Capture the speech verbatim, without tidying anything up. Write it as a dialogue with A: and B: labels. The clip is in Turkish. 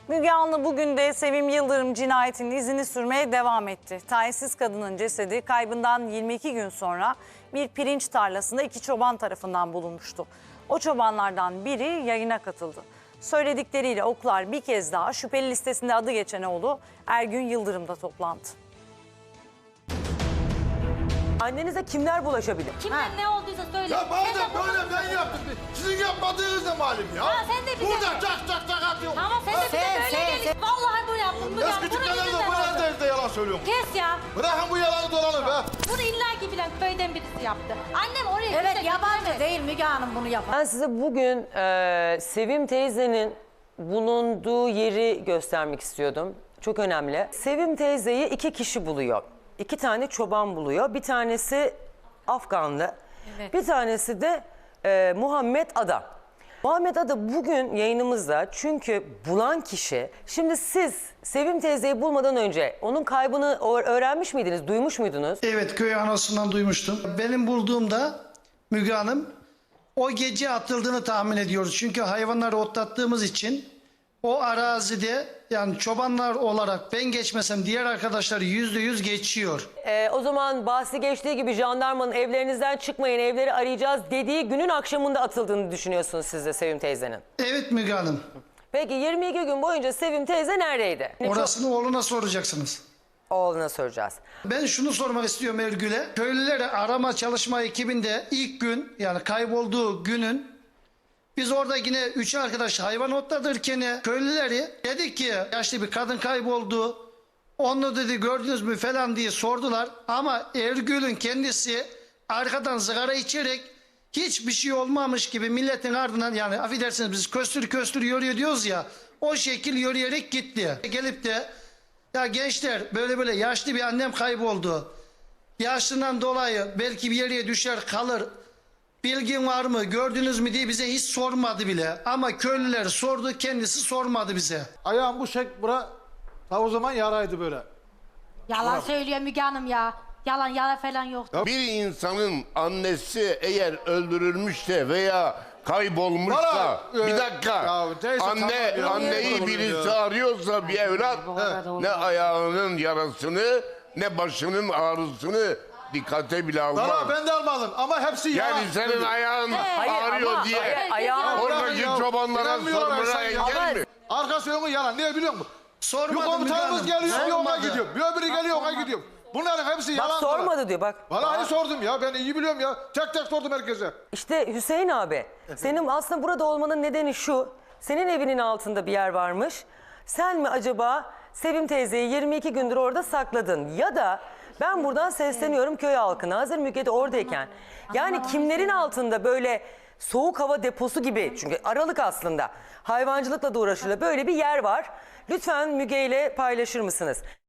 A: Müge Anlı bugün de Sevim Yıldırım cinayetinin izini sürmeye devam etti. Talihsiz kadının cesedi kaybından yirmi iki gün sonra bir pirinç tarlasında iki çoban tarafından bulunmuştu. O çobanlardan biri yayına katıldı. Söyledikleriyle oklar bir kez daha şüpheli listesinde adı geçen oğlu Ergün Yıldırım'da toplandı.
B: Annenize kimler bulaşabilir?
C: Kimden ne olduysa söyle.
D: Ya madem
C: Sen de
D: böyle
C: bunu-
D: ben yaptım. Sizin yapmadığınız da malum ya.
C: Ha, sen de bize-
D: Burada çak çak çak atıyor.
C: Tamam sen de bize
E: Sen,
C: böyle
E: sen,
C: gelin. Vallahi bunu yaptım. Bunu
D: Eski
C: yaptım. Bunu
D: tükenler de
C: yüzünden
D: bu
C: oldu.
D: evde yalan söylüyorum.
C: Kes ya.
D: Bırakın bu yalanı dolanı be.
C: Bunu illaki bilen köyden birisi yaptı. Annem oraya
E: Evet
C: kimse
E: yabancı
C: getiremez.
E: değil Müge Hanım bunu yapan.
B: Ben size bugün e, Sevim teyzenin bulunduğu yeri göstermek istiyordum. Çok önemli. Sevim teyzeyi iki kişi buluyor. İki tane çoban buluyor. Bir tanesi Afganlı.
C: Evet.
B: Bir tanesi de e, Muhammed Ada. Muhammed Ada bugün yayınımızda çünkü bulan kişi... Şimdi siz Sevim teyzeyi bulmadan önce onun kaybını öğrenmiş miydiniz, duymuş muydunuz?
F: Evet, köy anasından duymuştum. Benim bulduğumda Müge Hanım o gece atıldığını tahmin ediyoruz. Çünkü hayvanları otlattığımız için o arazide yani çobanlar olarak ben geçmesem diğer arkadaşlar yüzde yüz geçiyor.
B: Ee, o zaman bahsi geçtiği gibi jandarmanın evlerinizden çıkmayın, evleri arayacağız dediği günün akşamında atıldığını düşünüyorsunuz siz de Sevim teyzenin.
F: Evet Müge Hanım.
B: Peki yirmi iki gün boyunca Sevim teyze neredeydi?
F: Orasını oğluna soracaksınız.
B: Oğluna soracağız.
F: Ben şunu sormak istiyorum Ergül'e. Köylülere arama çalışma ekibinde ilk gün yani kaybolduğu günün biz orada yine üç arkadaş hayvan otlatırken köylüleri dedik ki yaşlı bir kadın kayboldu. Onu dedi gördünüz mü falan diye sordular. Ama Ergül'ün kendisi arkadan sigara içerek hiçbir şey olmamış gibi milletin ardından yani affedersiniz biz köstür köstür yürüyor diyoruz ya. O şekil yürüyerek gitti. Gelip de ya gençler böyle böyle yaşlı bir annem kayboldu. Yaşlından dolayı belki bir yere düşer kalır. Bilgin var mı gördünüz mü diye bize hiç sormadı bile. Ama köylüler sordu kendisi sormadı bize.
D: Ayağım bu şek bura. Ta o zaman yaraydı böyle.
C: Yalan söylüyor Müge Hanım ya. Yalan yalan falan yok.
G: Bir insanın annesi eğer öldürülmüşse veya kaybolmuşsa
D: Bana, e,
G: bir dakika
D: ya teyze,
G: anne
D: tamam ya.
G: anneyi
D: Niye
G: birisi
D: ya?
G: arıyorsa bir evlat ne ayağının yarasını ne başının ağrısını dikkate bile almaz.
D: Valla ben de almadım ama hepsi yalan.
G: Yani senin ayağın
B: Hayır,
G: ağrıyor
B: ama-
G: diye
B: hayır, ayağı-
G: oradaki
D: Ya,
G: çobanlara
D: inanmıyorlar
G: sormana
D: sen ya.
G: engel mi?
D: Arkası önü yalan. Niye biliyor musun? Bir
F: Sormadı Müge
D: komutanımız
F: Hanım.
D: geliyor bir ona
F: Sormadı.
D: gidiyor. Bir öbürü geliyor ona gidiyor. Bunların hepsi
B: Bak
D: yalan.
B: sormadı diyor bak.
D: Vallahi sordum ya ben iyi biliyorum ya. Tek tek sordum herkese.
B: İşte Hüseyin abi senin aslında burada olmanın nedeni şu. Senin evinin altında bir yer varmış. Sen mi acaba Sevim teyzeyi yirmi iki gündür orada sakladın? Ya da ben buradan sesleniyorum köy halkına hazır Müge de oradayken. Yani kimlerin altında böyle soğuk hava deposu gibi çünkü aralık aslında hayvancılıkla da uğraşılıyor böyle bir yer var. Lütfen Müge ile paylaşır mısınız?